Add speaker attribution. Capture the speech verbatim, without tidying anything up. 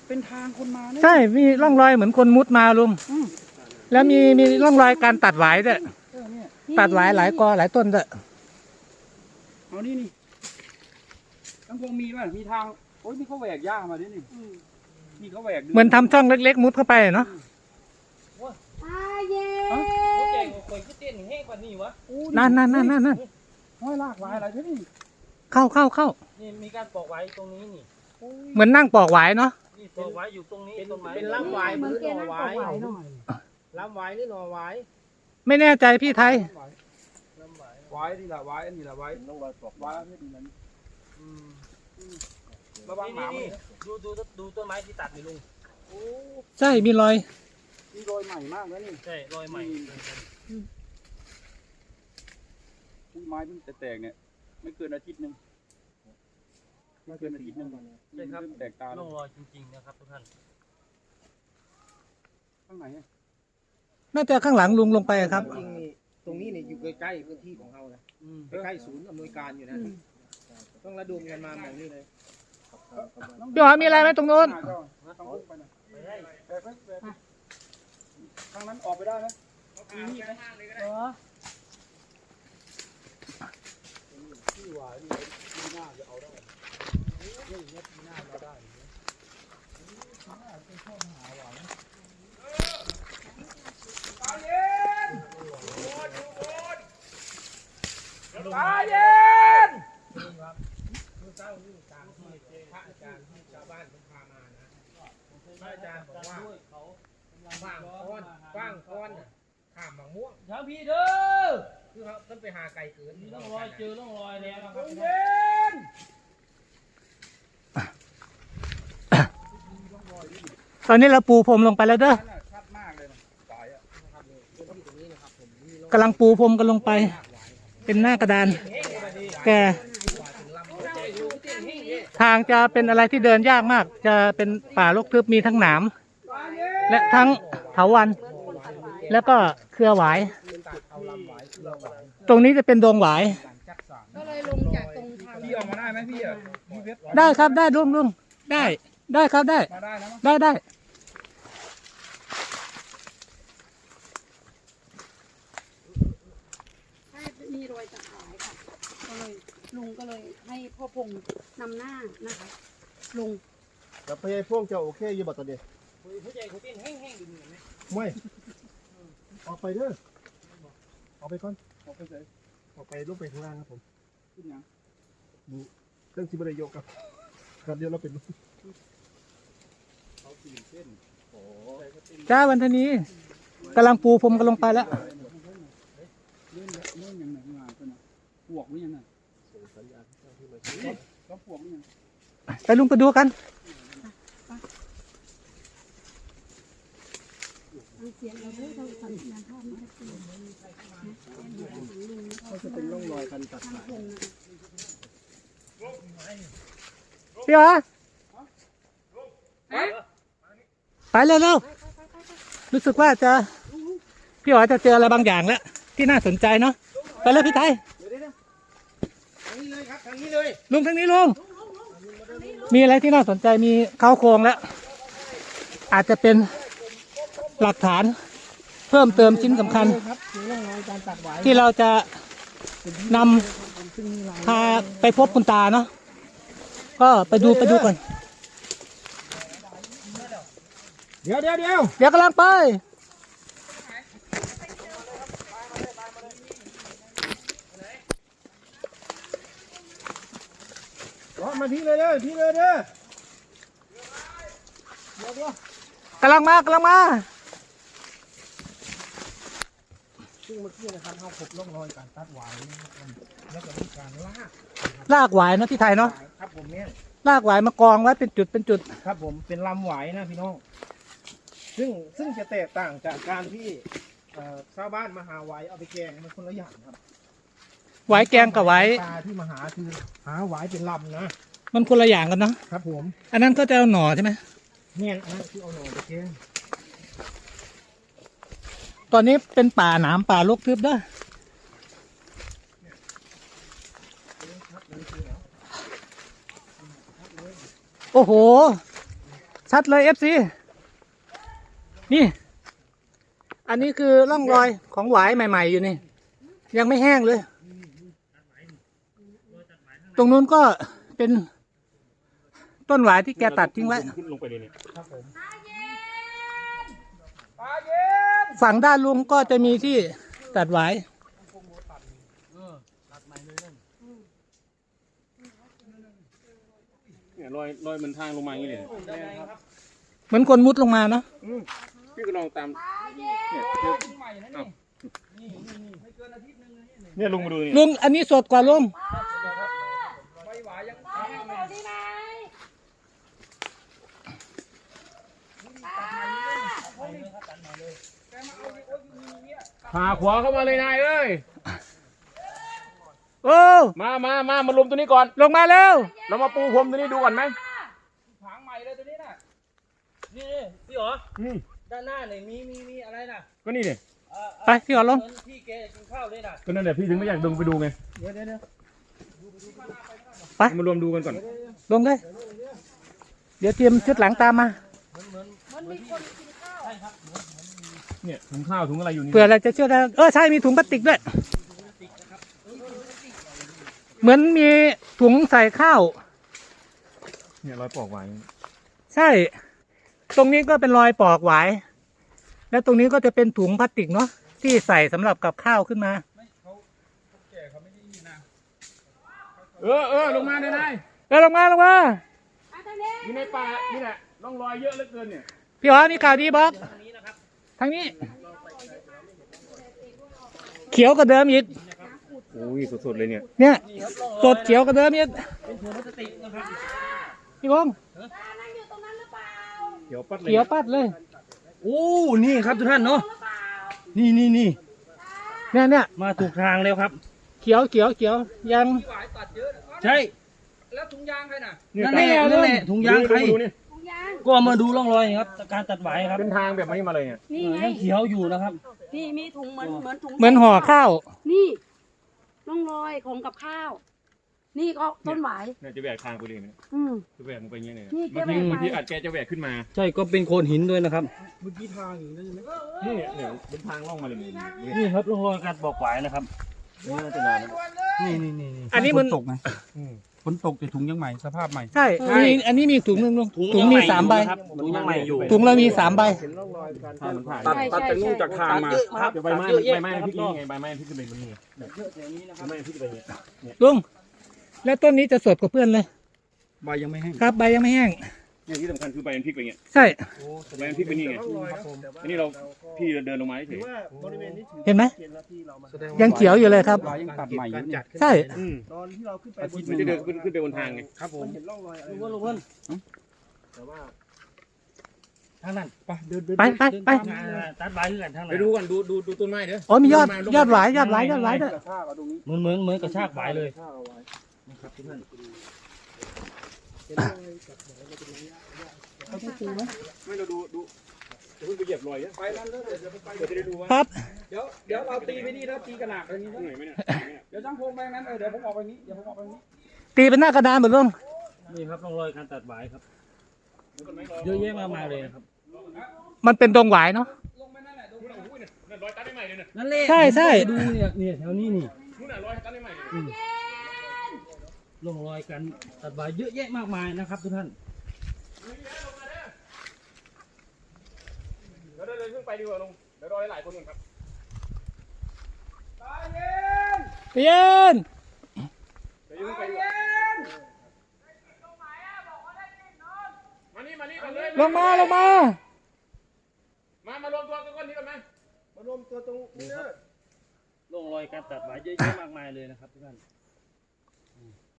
Speaker 1: เป็นทางคนมาเนี่ย
Speaker 2: ใช่มีร่องรอยเหมือนคนมุดมาลุงแล้วมีมีร่องรอยการตัดหวายด้วย
Speaker 1: เออเนี่ย
Speaker 2: ตัดหวายหลายกอหลายต้นด้วย
Speaker 1: เอานี่นี่ทั้งพงมีป่ะมีทางโอ้ยนี่เขาแหวกหญ้ามาด้วยนี่นี่เขาแหวก
Speaker 2: เหมือนทำช่องเล็กๆมุดเข้าไปเนาะ
Speaker 3: อาเย่
Speaker 4: โอ้แกงข่อยคือเต้นแห้งกว่านี้วะ
Speaker 2: นั่นนั่นนั่นนั่นนั่น
Speaker 1: ห้อยลากลายอะไรใช่ไหม
Speaker 2: เข้าเข้าเข้า
Speaker 4: นี่มีการปอกไว้ตรงนี้นี่
Speaker 2: เหมือนนั่งปอกหวายเนาะ
Speaker 4: นี่ปอกไว้อยู่ตรงนี้ต้นไม้
Speaker 3: เป็นล่ำวายเหมือนแกนั่งปอกไหวเนาะ
Speaker 4: ล้ำไว้หรือหน่อไว้
Speaker 2: ไม่แน่ใจพี่ไทย
Speaker 4: ล้ำไว้
Speaker 1: ไว้นี่แหละไว้อันนี้แหละไว้ต้องไว้ปอกไว้ไม่ดีนั้น
Speaker 4: อืม
Speaker 1: ระวังหมา
Speaker 4: นี่ดูดูดูต้นไม้ที่ตัดนี่ลุง
Speaker 1: โอ้
Speaker 2: ใช่มีรอย
Speaker 1: นี่รอยใหม่มากแล้วนี่
Speaker 4: ใช่รอยใหม่
Speaker 1: อุ้ยไม้เพิ่งแตกเนี่ยไม่เกินอาทิตย์หนึ่งไม่เกินอาทิตย์หนึ่ง
Speaker 4: ใช่ครับ
Speaker 1: เริ่มแตกตาแล้
Speaker 4: ร่
Speaker 1: ว
Speaker 4: องรอยจริงๆนะครับทุกท่าน
Speaker 1: ข้างไหนอะ
Speaker 2: น่าจะข้างหลังลุงลงไปครับ
Speaker 5: จริงนี่ตรงนี้เนี่ยอยู่ใกล้ๆพื้นที่ของเรานะ
Speaker 4: อืม
Speaker 5: ใกล้ๆศูนย์อำนวยการอยู่นะ ต้องระดมกันมาแบบนี้เลย
Speaker 2: พี่หอยมีอะไรไหมตรงนู้น
Speaker 1: ต้องพุ่งไปหน่อยแบกไปแบกไปทางนั้นออกไปได้ไหมมีมีดไหม
Speaker 3: เหรอ
Speaker 1: ที่หวายนี่ปีหน้าจะเอาได้เรื่องนี้ปีหน้าเราได้ตาเย็น
Speaker 5: เมื่อเช้านี่ตามที่พระอาจารย์ที่ชาวบ้านผมพามานะพระอาจารย์บอกว่าว่างก้อนว่างก้อนน่ะข้ามมะม่วง
Speaker 4: ทางพี่เด้อ
Speaker 5: คือเขาต้องไปหาไก่เกิน
Speaker 4: มีร่องรอยเจอร่องรอยแล้วนะครับ
Speaker 1: เย็น
Speaker 2: ตอนนี้เราปูพรมลงไปแล้วเด้อ
Speaker 1: นั่นน่ะชัดมากเลยนะสายอะ
Speaker 5: พื้นที่ตรงนี้นะครับผมมีร่อง
Speaker 2: กำลังปูพรมกันลงไป เป็นหน้ากระดาน แกทางจะเป็นอะไรที่เดินยากมาก จะเป็นป่ารกทึบมีทั้งหนามและทั้งเถาวัลย์แล้วก็เครือหวาย
Speaker 5: เอาลำไหวคือเราไหว
Speaker 2: ตรงนี้จะเป็นดงหวาย
Speaker 5: การจัดสรร
Speaker 3: ก็เลยลงจากตรงทาง
Speaker 1: พี่ออกมาได้ไหมพี่อะพี่เพชร
Speaker 2: ได้ครับได้ลุงลุงได้ได้ครับได้
Speaker 1: มาได้นะมั้ง
Speaker 2: ได้ได้
Speaker 3: ใช่มีรอยตะขายค่ะ ก็เลยลุงก็เลยให้พ่อพงนำหน้านะคะ ลุง
Speaker 6: แต่พยายพวกจะโอเคอยู่บ่ตอนนี้
Speaker 4: ผู้ใจเขาเต้นแห้งๆดูเหมือนไหม
Speaker 6: ไม่ออกไปเด้อออกไปก่อน
Speaker 1: ออกไปเสร็จ
Speaker 6: ออกไปลงไปข้างล่างครับผม
Speaker 1: ขึ้นยัง
Speaker 6: เครื่องซิบะไดโยกครับครับเดี๋ยวเราเป็น
Speaker 1: เขาสี่เส้นโอ้
Speaker 2: จ้าวันทนีกำลังปูพรมกันลงไปแล้ว
Speaker 1: เล่นเล่นยังไงมาก็นะปวกหรือยังไงก็ปวกหรือยัง
Speaker 2: ไปลุงไปดูกัน
Speaker 3: ฟังเสียงเราด้วยเราสัญญาณภาพมาให้ดูนะลุง
Speaker 6: ก็จะเป็นร่องรอยการตัด
Speaker 3: ทาง
Speaker 6: สาย
Speaker 3: พงนะคะ
Speaker 2: พี่หอยไปเร็วเร็วรู้สึกว่าจะพี่หอยจะเจออะไรบางอย่างแล้วที่น่าสนใจเนาะไปเลยพี่ไทย
Speaker 5: ทางนี้เลยครับทางนี้เลย
Speaker 2: ลุงทางนี้ลุงมีอะไรที่น่าสนใจมีเข้าโครงแล้ว อาจจะเป็นหลักฐานเพิ่มเติมชิ้นสำคัญ
Speaker 5: ครับมีร่องรอยการตัดไหว
Speaker 2: ที่เราจะนำพาไปพบคุณตาเนาะก็ไปดูไปดูก่อน
Speaker 5: เดี๋ยวเดี๋ยวเดี๋ยว
Speaker 2: เดี๋ยวกำลังไป
Speaker 5: รอมาพี่เลยเด้อพี่เลยเด้อก
Speaker 2: ำลังมากำลังมา
Speaker 5: ซึ่งเมื่อกี้นะครับเขาพบร่องรอยการตัดไหวนะครับแล้วก็มีการลาก
Speaker 2: ลากหวายนะพี่ไทยเนาะ
Speaker 5: ครับผมเนี่ย
Speaker 2: ลากหวายมากองไว้เป็นจุดเป็นจุด
Speaker 5: ครับผมเป็นลำไหวนะพี่น้อง ซึ่งซึ่งจะแตกต่างจากการที่เอ่อชาวบ้านมาหาไหวเอาไปแกงมันคนละอย่างครับ
Speaker 2: หวายแกงกับหวาย
Speaker 5: ปลาที่มาหาคือหาไหวเป็นลำนะ
Speaker 2: มันคนละอย่างกันเนาะ
Speaker 5: ครับผม
Speaker 2: อันนั้นก็จะเอาหน่อใช่ไหม
Speaker 5: เนี่ยอันนั่นคือเอาหน่อไปแกง
Speaker 2: ตอนนี้เป็นป่าหนามป่ารกทึบเด้อโอ้โหชัดเลย เอฟ ซี นี่ อันนี้คือร่องรอยของหวายใหม่ๆอยู่นี่ ยังไม่แห้งเลย ตรงนู้นก็เป็นต้นหวายที่แกตัดทิ้งไว้
Speaker 1: ขึ้นลงไปเลยเนี่ย
Speaker 2: ฝั่งด้านลุงก็จะมีที่ตัดหวาย
Speaker 1: เนี่ยรอยรอยมันทางลงมาอย่างนี้เลย
Speaker 2: เหมือนคนมุดลงมาเนาะ
Speaker 1: พี่ก็ลองตามเนี่ยเจออ้าวเนี่ยลุงมาดูนี่
Speaker 2: ลุงอันนี้สดกว่าลุง
Speaker 1: พาขวาเข้ามาเลยนายเอ้ย
Speaker 2: โอ้
Speaker 1: มามามามาลุมตัวนี้ก่อน
Speaker 2: ลงมาเร็ว
Speaker 1: เรามาปูพรมตัวนี้ดูก่อนไหม
Speaker 4: ผางใหม่เลยตัวนี้น่ะนี่พี่หรอ
Speaker 1: อืม
Speaker 4: ด้านหน้าเนี่ยมีมีมีอะไรน่ะ
Speaker 1: ก็นี่เนี่ย
Speaker 4: เอ่อ
Speaker 2: ไปพี่ขอลง
Speaker 4: เหมือนพี่แกกินข้าวเลยน่ะ
Speaker 1: ก็นั่นแหละพี่ถึงไม่อยากดึงไปดูไง
Speaker 2: ไป
Speaker 1: มารวมดูกันก่อน
Speaker 2: ลงเลย เดี๋ยวเตรียมชุดหลังตามมา
Speaker 1: เนี่ยถุงข้าวถุงอะไรอยู่นี่
Speaker 2: เผื่ออะไรจะเชื่อได้เออใช่มีถุงพลาสติกด้วย เหมือนมีถุงใส่ข้าว
Speaker 1: เนี่ยรอยปอกไว้
Speaker 2: ใช่ ตรงนี้ก็เป็นรอยปอกหวาย แล้วตรงนี้ก็จะเป็นถุงพลาสติกเนาะที่ใส่สำหรับกับข้าวขึ้นมา
Speaker 1: เออเออลงมาเลยนาย
Speaker 2: เออลงมาลงมา
Speaker 1: อยู่ในป่านี่แหละร่องรอยเยอะเหลือเกินเนี่ย
Speaker 2: พี่อ๋อมีข่าวดีบอกทางนี้ เขียวกว่าเดิมอีก
Speaker 1: โอ้ยสดๆเลยเนี่ย
Speaker 2: เนี่ยสดเขียวกว่าเดิมอีก
Speaker 4: เป็นถุงพลาสติกนะครับ
Speaker 2: พี่บง
Speaker 1: เดี๋ยวปัดเลย
Speaker 2: เขียวปัดเลย
Speaker 4: โอ้นี่ครับทุกท่านเนาะนี่นี่นี่
Speaker 2: เนี่ยเนี่ย
Speaker 4: มาถูกทางแล้วครับ
Speaker 2: เขียวเขียวเขียวยัง
Speaker 4: ใช่
Speaker 1: แล้วถุงยางใครน่ะ
Speaker 4: นั่นแหละนั่นแหละถุงยางใคร
Speaker 1: ดูนี่
Speaker 4: ก็มาดูร่องรอยครับการตัดหวายครับ
Speaker 1: เป็นทางแบบนี้มาเลยเนี่ย
Speaker 3: นี่ไง
Speaker 4: ยังเขียวอยู่นะครับ
Speaker 3: นี่มีถุงเหมือนเหมือนถุง
Speaker 2: เหมือนห่อข้าว
Speaker 3: นี่ร่องรอยของกับข้าว นี่ก็ต้นหวาย
Speaker 1: เนี่ยจะแหวกทางไปเลยเนี่ย
Speaker 3: อืม
Speaker 1: จะแหวกลงไปอย่างเงี้ยเนี่ย
Speaker 3: นี่แก
Speaker 1: บางที
Speaker 3: แหวกไป
Speaker 1: บางทีอาจแกจะแหวกขึ้นมา
Speaker 4: ใช่ก็เป็นโคนหินด้วยนะครับ
Speaker 1: นี่เนี่ยเป็นทางล่องมาเลยนี่
Speaker 4: นี่ครับร่องรอยการบอกหวายนะครับ
Speaker 1: นี่น่าจะนานนะ
Speaker 4: นี่นี่นี่
Speaker 2: อันนี้มัน
Speaker 6: ตกไงฝนตกแต่ถุงยังใหม่สภาพใหม่
Speaker 2: ใช่มีอันนี้มีถุงหนึงลุงถุงมีสามใบ
Speaker 4: ครับถุงยังใหม่อยู่
Speaker 2: ถุงเรามีสามใบ
Speaker 1: ทางมันผ่าน
Speaker 3: ตัดตัดจากนู่นจากทางมา
Speaker 4: ครับ
Speaker 1: เดี๋ยวใบไม้ใบไม้พลิกนี่ไงใบไม้พลิกขึ้นไปบนนี่ไงใบไม้พลิกไปอย่างเงี้ย
Speaker 2: ลุงแล้วต้นนี้จะสดกว่าเพื่อนเลย
Speaker 6: ใบยังไม่แห้ง
Speaker 2: ครับใบยังไม่แห้ง
Speaker 1: เนี่ยที่สำคัญคือใบมันพลิกไปอย่างเงี้ย
Speaker 2: ใช่
Speaker 1: ใบมันพลิกไปนี่ไงอันนี้เราพี่เดินลงมาเฉย
Speaker 2: เห็นไหมยังเขียวอยู่เลยครับ
Speaker 6: ใบยังตัดใหม่อยู่เนี่ย
Speaker 2: ใช่
Speaker 1: อืม
Speaker 6: ตอนที่เราขึ้นไปบน
Speaker 1: มันจะเดินขึ้นขึ้นไปบนทางไง
Speaker 6: ครับผม
Speaker 4: ลุงเพิ่นลุงเพิ่น
Speaker 6: ทางนั้นไปเดินเดิน
Speaker 2: ไปไปไป
Speaker 4: อ่าตัดหวายคือกันทางไหน
Speaker 1: ไปดูก่อนดูดูดูต้นไม้เด้อ
Speaker 2: อ๋อมียอดยอดหวายยอดหวายยอดหวายด้วย
Speaker 4: เหมือนเหมือนเหมือนกระชากหวายเลย
Speaker 1: ไม่เราดูดูจะเพิ่งไปเหยียบรอยเนี่ยไปนั่นเลยเดี๋ยวไปเดี๋ยวจะได้ดูว่า
Speaker 2: ครับ
Speaker 1: เดี๋ยวเดี๋ยวเราตีไปนี่แล้วตีกระหน่ำไปนี้เหนื่อยไหมเนี่ยเดี๋ยวช่างพงไปงั้นเออเดี๋ยวผมออกไปนี้เดี๋ยวผมออกไปนี้
Speaker 2: ตีเป็นหน้ากระดานเหมือนลุง
Speaker 4: นี่ครับร่องรอยการตัดหวายครับ เยอะแยะมากมายเลยนะครับ
Speaker 2: มันเป็นดงหวายเนาะ
Speaker 1: ลงไปนั่นแหละดูนะโอ้ยเนี่ยนั่นรอยตัดได้ใหม่เลยเนี่ย
Speaker 4: นั่นแหละ
Speaker 2: ใช่ใช่
Speaker 4: ดูเนี่ยเนี่ยแถวนี้นี่
Speaker 1: นู่นน่ะรอยตัดได้ใหม่เลย
Speaker 4: ร่องรอยการตัดหวายเยอะแยะมากมายนะครับทุกท่าน
Speaker 1: เดี๋ยวเดินขึ้นไปดีกว่าลุงเดี๋ยวรอหลายคนก่อนครับ
Speaker 2: เย็น
Speaker 1: เดี๋ยวขึ้นไปดีกว่ามานี่มานี่ก่อนเลย
Speaker 2: ลงมาลงมา
Speaker 1: มามารวมตัวกันก่อนนี้ก่อนไหม
Speaker 6: มารวมตัวตรงนี้เด้อ
Speaker 4: ร่องรอยการตัดหวายเยอะแยะมากมายเลยนะครับทุกท่าน